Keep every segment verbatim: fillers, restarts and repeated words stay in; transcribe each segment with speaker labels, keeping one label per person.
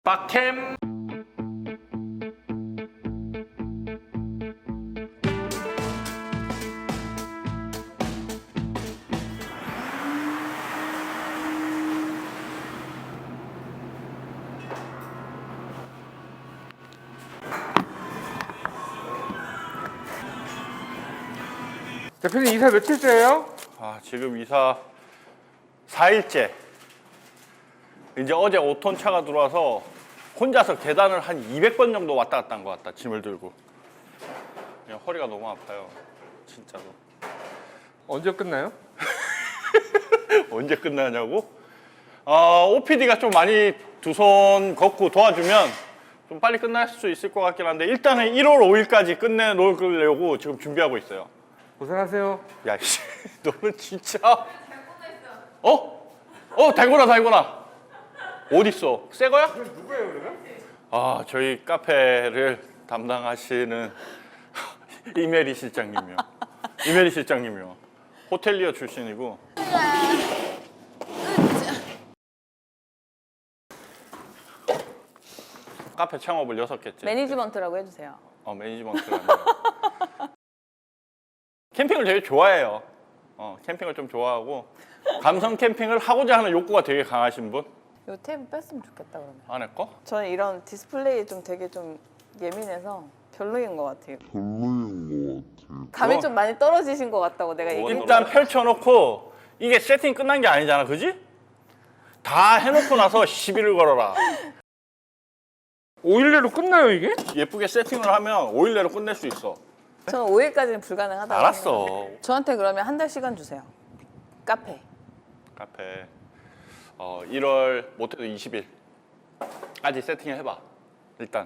Speaker 1: 빡캠.
Speaker 2: 대표님 이사 며칠째예요?
Speaker 1: 아, 지금 이사 사 일째. 이제 어제 오 톤 차가 들어와서 혼자서 계단을 한 이백 번 정도 왔다 갔다 한 것 같다. 짐을 들고. 그냥 허리가 너무 아파요. 진짜로.
Speaker 2: 언제 끝나요?
Speaker 1: 언제 끝나냐고? 어, 오피디가 좀 많이 두 손 걷고 도와주면 좀 빨리 끝날 수 있을 것 같긴 한데 일단은 일월 오일까지 끝내놓으려고 지금 준비하고 있어요.
Speaker 2: 고생하세요.
Speaker 1: 야, 씨, 너는 진짜. 어? 어, 달고나, 달고나. 어딨어? 새 거야?
Speaker 2: 누구예요, 그러면?
Speaker 1: 아, 저희 카페를 담당하시는 이메리 실장님이요. 이메리 실장님이요. 호텔리어 출신이고. 카페 창업을 여섯 개째.
Speaker 3: 매니지먼트라고 해주세요.
Speaker 1: 어, 매니지먼트라는 캠핑을 되게 좋아해요. 어, 캠핑을 좀 좋아하고 감성 캠핑을 하고자 하는 욕구가 되게 강하신 분?
Speaker 3: 요 테이블 뺐으면 좋겠다 그러면.
Speaker 1: 안에 거?
Speaker 3: 저는 이런 디스플레이 좀 되게 좀 예민해서 별로인 것 같아요.
Speaker 4: 별로인 것 같아요.
Speaker 3: 감이
Speaker 1: 어.
Speaker 3: 좀 많이 떨어지신 것 같다고 내가 얘기해.
Speaker 1: 일단 펼쳐놓고 이게 세팅 끝난 게 아니잖아, 그지? 다 해놓고 나서 시비를 걸어라.
Speaker 2: 오 일 내로 끝나요, 이게?
Speaker 1: 예쁘게 세팅을 하면 오 일 내로 끝낼 수 있어.
Speaker 3: 저는 오 일까지는 불가능하다고.
Speaker 1: 알았어.
Speaker 3: 생각해요. 저한테 그러면 한 달 시간 주세요. 카페.
Speaker 1: 카페 어, 일월 못해도 이십 일까지 세팅을 해봐. 일단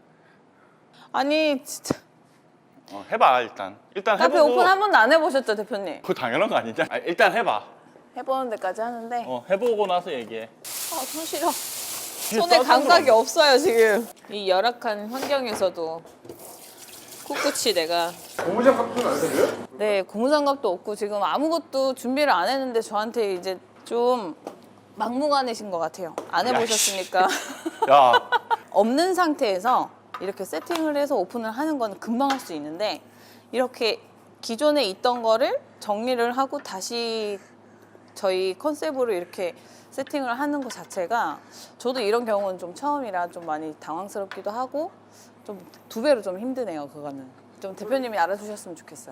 Speaker 3: 아니 진짜
Speaker 1: 어, 해봐 일단. 일단
Speaker 3: 카페
Speaker 1: 해보고.
Speaker 3: 오픈 한 번도 안 해보셨죠 대표님?
Speaker 1: 그거 당연한 거 아니냐? 아, 일단 해봐.
Speaker 3: 해보는 데까지 하는데
Speaker 1: 어, 해보고 나서 얘기해.
Speaker 3: 아 손 시려.
Speaker 1: 뒤에
Speaker 3: 손에
Speaker 1: 써서
Speaker 3: 감각이
Speaker 1: 그럼.
Speaker 3: 없어요 지금. 이 열악한 환경에서도 꿋꿋이 내가
Speaker 2: 고무장갑도 안 되고요?
Speaker 3: 네, 고무장갑도 없고 지금 아무것도 준비를 안 했는데 저한테 이제 좀 막무가내신 것 같아요. 안
Speaker 1: 야,
Speaker 3: 해보셨으니까.
Speaker 1: 야,
Speaker 3: 없는 상태에서 이렇게 세팅을 해서 오픈을 하는 건 금방 할 수 있는데 이렇게 기존에 있던 거를 정리를 하고 다시 저희 컨셉으로 이렇게 세팅을 하는 것 자체가 저도 이런 경우는 좀 처음이라 좀 많이 당황스럽기도 하고 좀 두 배로 좀 힘드네요. 그거는 좀 대표님이 알아주셨으면 좋겠어요.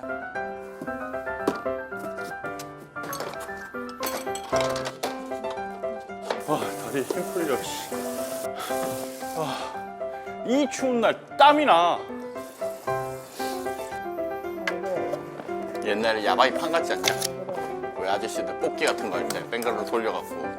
Speaker 1: 아, 다리 힘 풀려. 씨. 아, 이 추운 날 땀이 나. 옛날에 야바이 판 같지 않냐? 왜 아저씨들 뽑기 같은 거 할 때 뱅글로 돌려갖고.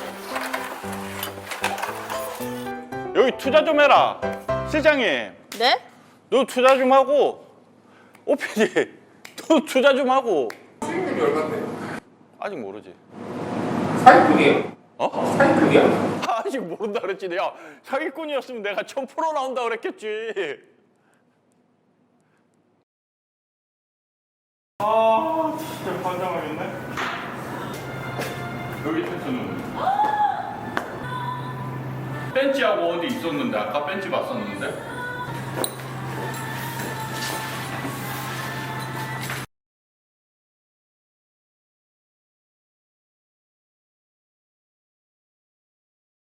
Speaker 1: 여기 투자 좀 해라. 실장님,
Speaker 3: 네?
Speaker 1: 너 투자 좀 하고. 오피디, 너 투자 좀 하고.
Speaker 2: 수익률이 얼마인데?
Speaker 1: 아직 모르지.
Speaker 2: 사기꾼이에요?
Speaker 1: 어?
Speaker 2: 사기꾼이야?
Speaker 1: 아직 모른다 그랬지. 야, 사기꾼이었으면 내가 천 프로 나온다 그랬겠지. 아, 진짜 환장하겠네. 여기 텐트는 벤치하고 어디 있었는데 아까 벤치 봤었는데.